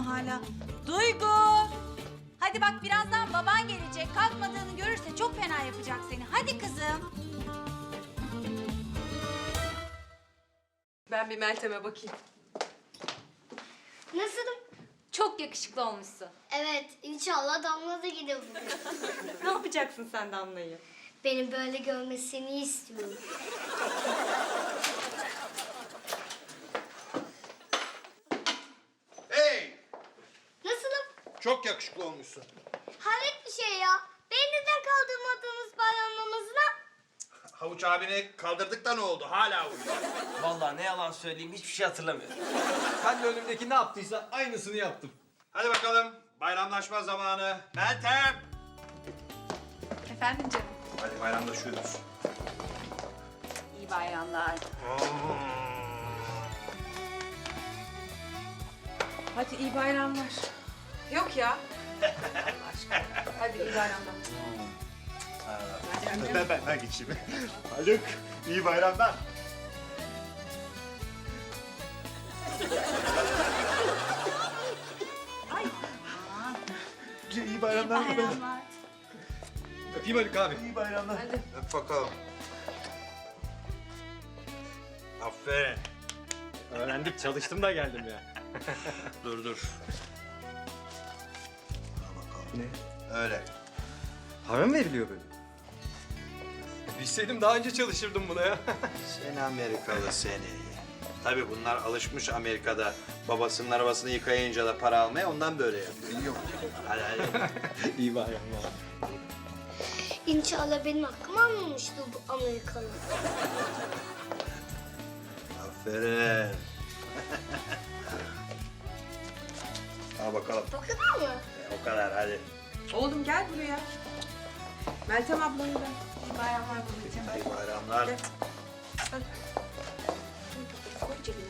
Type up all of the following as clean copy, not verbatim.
mu hala? Duygu! Hadi bak birazdan baban gelecek. Kalkmadığını görürse çok fena yapacak seni. Hadi kızım. Ben bir Meltem'e bakayım. Nasılım? Çok yakışıklı olmuşsun. Evet, inşallah Damla da gider bugün. Ne yapacaksın sen Damla'yı? Beni böyle görmesini istiyorum. Hey! Nasılım? Çok yakışıklı olmuşsun. Hayret bir şey ya. Beni neden kaldırmadınız bayram namazına? Havuç abini kaldırdık da ne oldu? Hala uyuyor. Vallahi ne yalan söyleyeyim hiçbir şey hatırlamıyorum. Ben de önümdeki ne yaptıysa aynısını yaptım. Hadi bakalım. Bayramlaşma zamanı. Meltem! Efendim canım. Hadi bayramlaşıyoruz. İyi bayramlar. Hadi iyi bayramlar. Yok ya. Allah aşkına. Hadi iyi bayramlar. Ben geçeyim. Haluk, iyi bayramlar. Ay. İyi bayramlar. Bayramlar. Öpeyim Haluk abi. İyi bayramlar. Hadi. Öp bakalım. Aferin. Öğrendik çalıştım da geldim ya. Dur. Al bakalım. Ne? Öyle. Para mı veriliyor böyle? Bilseydim daha önce çalışırdım buna ya. Seni Amerikalı seni. Tabii bunlar alışmış Amerika'da babasının arabasını yıkayınca da para almaya, ondan böyle yapıyor. Yok. Hadi. İyi bayramlar. İnşallah benim hakkımı almamıştır bu Amerikalı. Aferin. Al bakalım. O kadar mı? O kadar hadi. Oğlum gel buraya. Meltem ablanı da. İyi bayramlar babacığım. İyi bayramlar. Koy cebine.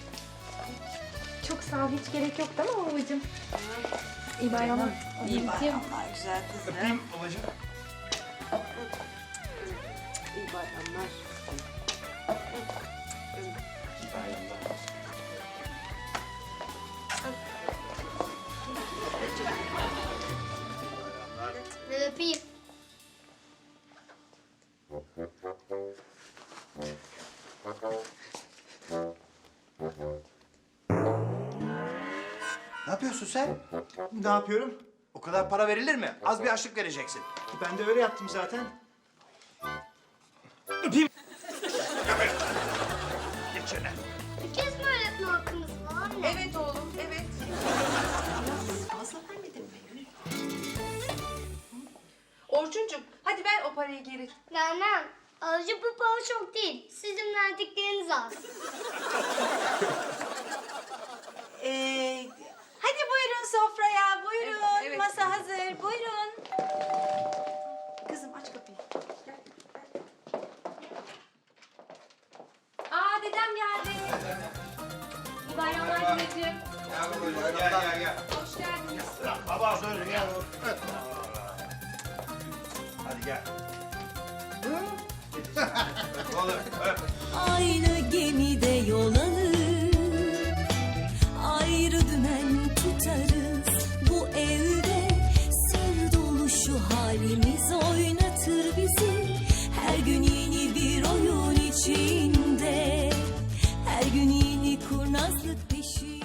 Çok sağ ol. Hiç gerek yok değil mi babacığım? İyi bayramlar. İyi bayramlar güzel kızım. Babacığım. İyi bayramlar. İyi bayramlar. Ben öpeyim. Ne yapıyorsun sen? Ne yapıyorum? O kadar para verilir mi? Az bir açlık vereceksin. Ben de öyle yaptım zaten. Geçene. Bir kez mi öğretme hakkımız var mı? Evet oğlum, evet. Fazla vermedin mi? Orçuncum, hadi ver o parayı geri. Vermem. Ayrıca bu para çok değil. Sizin verdikleriniz az. Hadi buyurun sofraya. Buyurun. Evet, evet. Masa hazır. Buyurun. Kızım aç kapıyı. Gel. Aa dedem geldi. İyi bayramlar dedeciğim. Gel. Hoş geldiniz. Baba söyle gel. Hadi gel. Oğlum öp. Aynı gemide yol alır, ayrı dümen tutarız. Bu evde sır dolu şu halimiz oynatır bizi. Her gün yeni bir oyun içinde, her gün yeni kurnazlık peşinde.